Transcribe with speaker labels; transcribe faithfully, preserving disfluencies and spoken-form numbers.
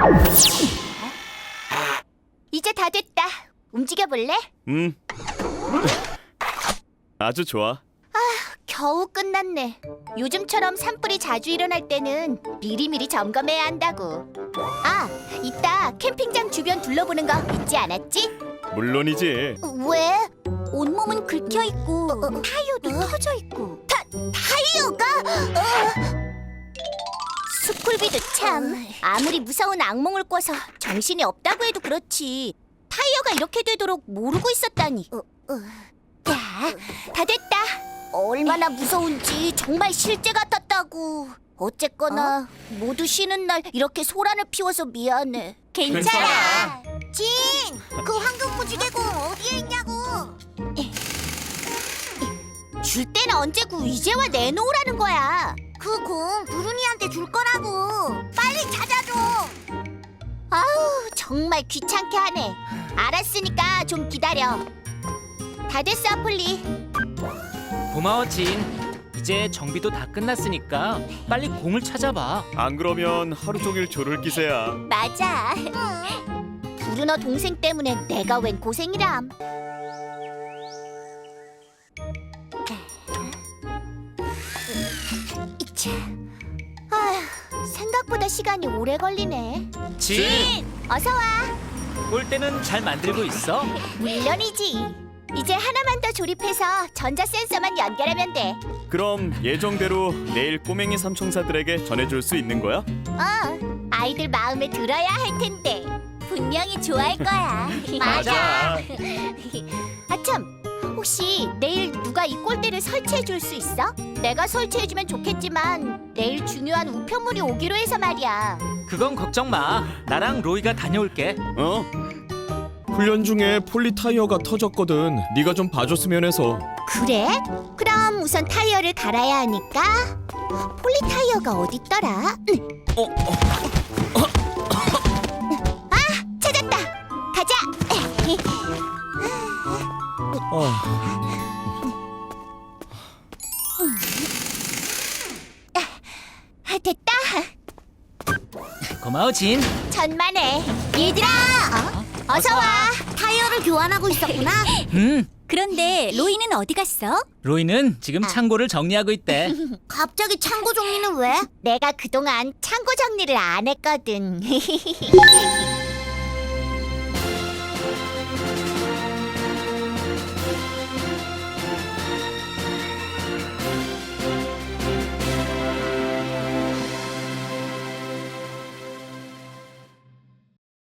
Speaker 1: 이제 다 됐다. 움직여 볼래?
Speaker 2: 음. 아주 좋아.
Speaker 1: 겨우 끝났네. 요즘처럼 산불이 자주 일어날 때는 미리미리 점검해야 한다고. 아, 이따 캠핑장 주변 둘러보는 거 잊지 않았지?
Speaker 2: 물론이지.
Speaker 1: 왜? 온몸은 긁혀 있고 타이어도 터져 있고. 타 타이어가? 스쿨비도 참 아무리 무서운 악몽을 꿔서 정신이 없다고 해도 그렇지. 타이어가 이렇게 되도록 모르고 있었다니. 야, 다 됐다. 얼마나 무서운지 정말 실제 같았다고. 어쨌거나 모두 쉬는 날 이렇게 소란을 피워서 미안해.
Speaker 2: 괜찮아.
Speaker 1: 진, 그 황금 무지개공 어디에 있냐고. 줄 때는 언제고 이제 와 내놓으라는 거야. 그 공 부르니한테 줄 거라고. 빨리 찾아줘. 아우, 정말 귀찮게 하네. 알았으니까 좀 기다려. 다 됐어, 아플리.
Speaker 3: 고마워 진. 이제 정비도 다 끝났으니까 빨리 공을 찾아봐.
Speaker 2: 안 그러면 하루 종일 졸을 기세야.
Speaker 1: 맞아. 브루너 동생 때문에 내가 웬 고생이람. 이차. 아휴, 생각보다 시간이 오래 걸리네.
Speaker 3: 진!
Speaker 1: 어서 와.
Speaker 3: 꼴대는 잘 만들고 있어?
Speaker 1: 물론이지. 이제 하나만 더 조립해서 전자 센서만 연결하면 돼.
Speaker 2: 그럼 예정대로 내일 꼬맹이 삼총사들에게 전해줄 수 있는 거야?
Speaker 1: 어, 아이들 마음에 들어야 할 텐데. 분명히 좋아할 거야.
Speaker 2: 맞아.
Speaker 1: 아참, 혹시 내일 누가 이 꼴대를 설치해 줄 수 있어? 내가 설치해 주면 좋겠지만 내일 중요한 우편물이 오기로 해서 말이야.
Speaker 3: 그건 걱정 마. 나랑 로이가 다녀올게.
Speaker 2: 어? 훈련 중에 폴리 타이어가 터졌거든. 네가 좀 봐줬으면 해서.
Speaker 1: 그래? 그럼 우선 타이어를 갈아야 하니까. 폴리 타이어가 어딨더라?
Speaker 2: 어, 어.
Speaker 1: 아, 찾았다. 가자.
Speaker 2: 아,
Speaker 1: 아, 됐다.
Speaker 3: 고마워 진.
Speaker 1: 천만에. 얘들아, 어? 어서 와. 타이어를 교환하고 있었구나.
Speaker 3: 음,
Speaker 1: 그런데 로이는 어디 갔어?
Speaker 3: 로이는 지금 창고를 정리하고 있대.
Speaker 1: 갑자기 창고 정리는 왜? 내가 그동안 창고 정리를 안 했거든.